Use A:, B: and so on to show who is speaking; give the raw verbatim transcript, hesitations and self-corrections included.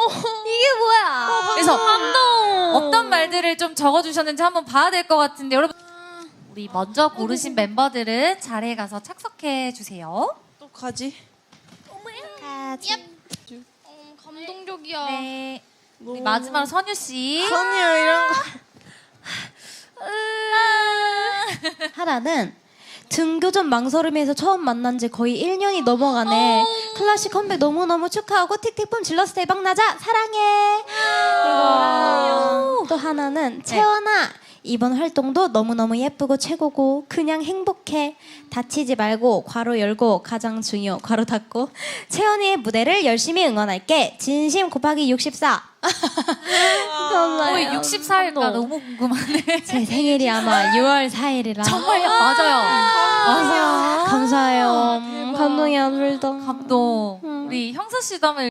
A: 이게 뭐야?
B: 그래서
A: 감동.
B: 어떤 말들을 좀 적어주셨는지 한번 봐야 될 것 같은데 여러분 우리 먼저 고르신 멤버들은 자리에 가서 착석해 주세요.
C: 또 가지.
A: 어, 감동적이야.
B: 네. 우리 마지막으로 선유 씨.
C: 선이야 이런 거.
D: 하나는 등교전 망설임에서 처음 만난 지 거의 일 년이 넘어가네. 클래식 컴백 너무너무 축하하고 틱틱붐 질러서 대박 나자. 사랑해. 이거랑 또 하나는 채원아 이번 활동도 너무너무 예쁘고 최고고 그냥 행복해. 다치지 말고 괄호 열고 가장 중요 괄호 닫고 채원이의 무대를 열심히 응원할게. 진심 곱하기 육십사.
B: 거의 육십사 일까 너무 궁금하네.
D: 제 생일이 아마 유월 사일이라.
B: 정말요? 맞아요. 맞아요.
D: 감사해요. 음, 감동이야, 불도.
B: 감동. 우리 형서 씨도 한번